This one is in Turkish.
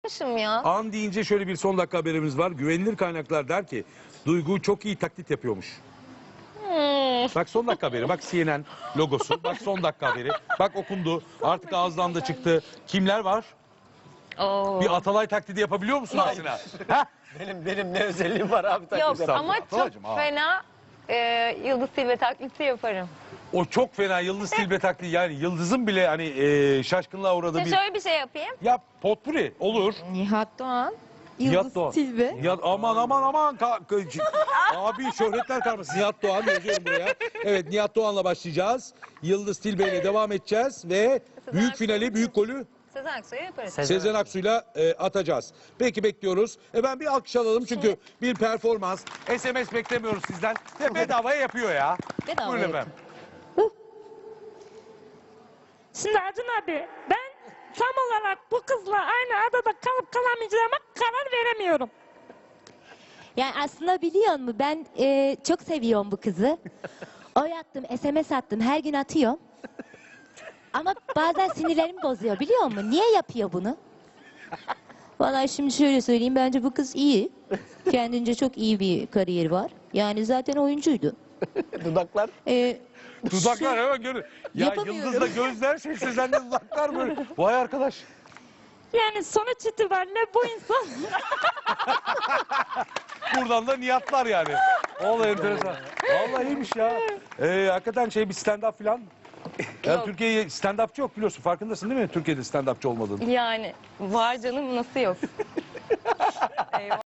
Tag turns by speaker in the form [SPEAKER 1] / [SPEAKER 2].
[SPEAKER 1] yapmışım ya.
[SPEAKER 2] An deyince şöyle bir son dakika haberimiz var. Güvenilir kaynaklar der ki Duygu çok iyi taklit yapıyormuş. Bak son dakika haberi. Bak CNN logosu. Bak son dakika haberi. Bak okundu. Artık ağızdan da çıktı. Kimler var?
[SPEAKER 1] Oo.
[SPEAKER 2] Bir Atalay taklidi yapabiliyor musun Asena? Heh.
[SPEAKER 3] Benim ne özelliğim var abi taklit
[SPEAKER 1] Yok
[SPEAKER 3] yapmak?
[SPEAKER 1] ama çok
[SPEAKER 2] Atalacığım, ha.
[SPEAKER 1] fena Yıldız Tilbe taklidi yaparım.
[SPEAKER 2] O çok fena Yıldız Tilbe taklidi. Yani Yıldız'ın bile hani şaşkınlığa uğradığı
[SPEAKER 1] Şimdi
[SPEAKER 2] bir...
[SPEAKER 1] şöyle bir şey yapayım.
[SPEAKER 2] Yap potpuri olur.
[SPEAKER 4] Nihat Doğan,
[SPEAKER 2] Nihat
[SPEAKER 4] Yıldız
[SPEAKER 2] Doğan.
[SPEAKER 4] Tilbe.
[SPEAKER 2] Nihat, aman. Abi şöhretler karması. Nihat Doğan yazıyorum buraya. Evet Nihat Doğan'la başlayacağız. Yıldız Tilbe ile devam edeceğiz ve büyük finali, büyük golü
[SPEAKER 1] Sezen Aksu'yu yaparız.
[SPEAKER 2] Sezen Aksu'yla atacağız. Peki bekliyoruz. Ben bir alkış alalım çünkü bir performans. SMS beklemiyoruz sizden. Ve bedavaya yapıyor ya.
[SPEAKER 4] Bedava
[SPEAKER 2] Buyurun
[SPEAKER 4] yapıyor.
[SPEAKER 2] efendim.
[SPEAKER 5] Şimdi Acun abi ben tam olarak bu kızla aynı adada kalıp kalamayacağıma karar veremiyorum.
[SPEAKER 4] Yani aslında biliyor musun ben çok seviyorum bu kızı. Oy attım, SMS attım, her gün atıyorum. Ama bazen sinirlerimi bozuyor biliyor musun? Niye yapıyor bunu? Vallahi şimdi şöyle söyleyeyim, bence bu kız iyi. Kendince çok iyi bir kariyeri var. Yani zaten oyuncuydu.
[SPEAKER 3] Dudaklar.
[SPEAKER 2] Dudaklar hemen görün. Ya
[SPEAKER 4] Yapamıyorum.
[SPEAKER 2] Yıldız'la gözler şey Sezen'le dudaklar böyle. Vay arkadaş.
[SPEAKER 5] Yani sonuç itibariyle bu insan
[SPEAKER 2] Buradan da niyatlar yani. Vallahi enteresan. Vallahi iyiymiş ya. Hakikaten bir stand-up falan. Ya
[SPEAKER 1] Yok.
[SPEAKER 2] Türkiye'ye stand-upçı yok biliyorsun. Farkındasın değil mi Türkiye'de stand-upçı olmadığını?
[SPEAKER 1] Yani var canım nasıl yok. Eyvah.